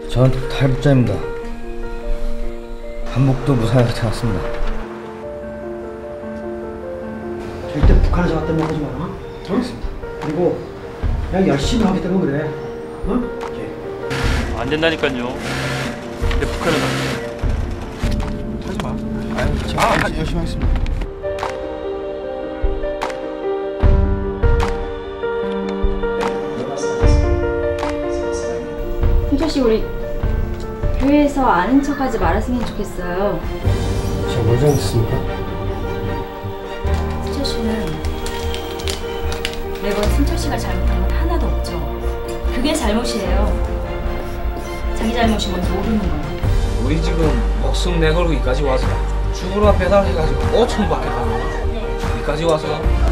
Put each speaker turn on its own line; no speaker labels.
전 탈북자입니다. 한복도 무사히 나타났습니다.
절대 북한에 잡았다는 말 하지 마라. 알겠습니다. 그리고 그냥 열심히 하겠다고 그래. 어?
안 된다니까요. 근데 북한은
하지 마. 아유, 열심히 하겠습니다.
승철씨, 우리 교회에서 아는 척하지 말았으면 좋겠어요.
제가 뭘 잘못했습니까?
승철씨는 매번 승철씨가 잘못한 건 하나도 없죠. 그게 잘못이에요. 자기 잘못인 건 모르는 거예요.
우리 지금 목숨 내걸고 여기까지 와서 죽으러 배달해가지고 5천 밖에 가면 여기까지 와서